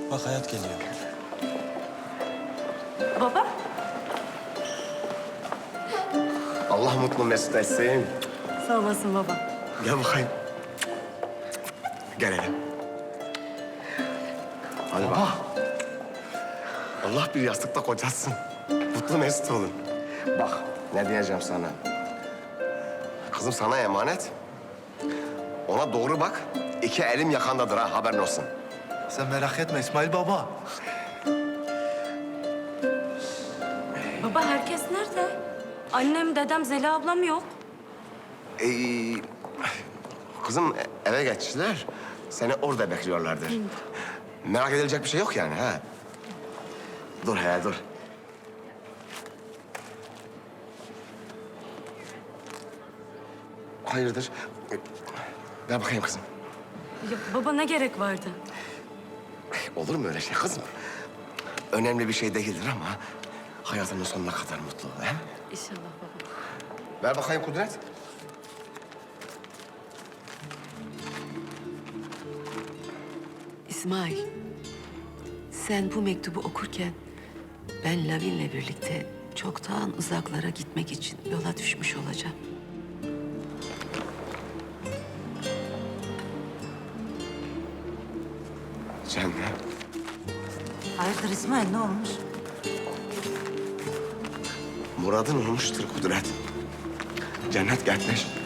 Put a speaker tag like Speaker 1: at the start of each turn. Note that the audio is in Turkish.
Speaker 1: Bak hayat geliyor.
Speaker 2: Baba?
Speaker 3: Allah mutlu mesut etsin.
Speaker 2: Sağ olasın baba.
Speaker 3: Gel bakayım. Gel hele. Hadi bak. Allah bir yastıkta kocasın. Mutlu mesut olun. Bak ne diyeceğim sana. Kızım sana emanet. Ona doğru bak. İki elim yakandadır ha, haberin olsun.
Speaker 4: Sen merak etme İsmail baba.
Speaker 2: Baba herkes nerede? Annem, dedem, Zeliha ablam yok.
Speaker 3: Ee, kızım eve geçtiler. Seni orada bekliyorlardır. Merak edilecek bir şey yok yani ha. Dur he dur. Hayırdır? Ver bakayım kızım.
Speaker 2: Ya baba ne gerek vardı?
Speaker 3: Olur mu öyle şey kızım? Önemli bir şey değildir ama hayatının sonuna kadar mutlu ol, he mi?
Speaker 2: İnşallah baba.
Speaker 3: Ver bakayım Kudret.
Speaker 5: İsmail, sen bu mektubu okurken ben Lavin'le birlikte çoktan uzaklara gitmek için yola düşmüş olacağım.
Speaker 3: Cennet.
Speaker 6: Hayırdır İsmail, ne olmuş?
Speaker 3: Muradın olmuştur Kudret. Cennet gelmiş.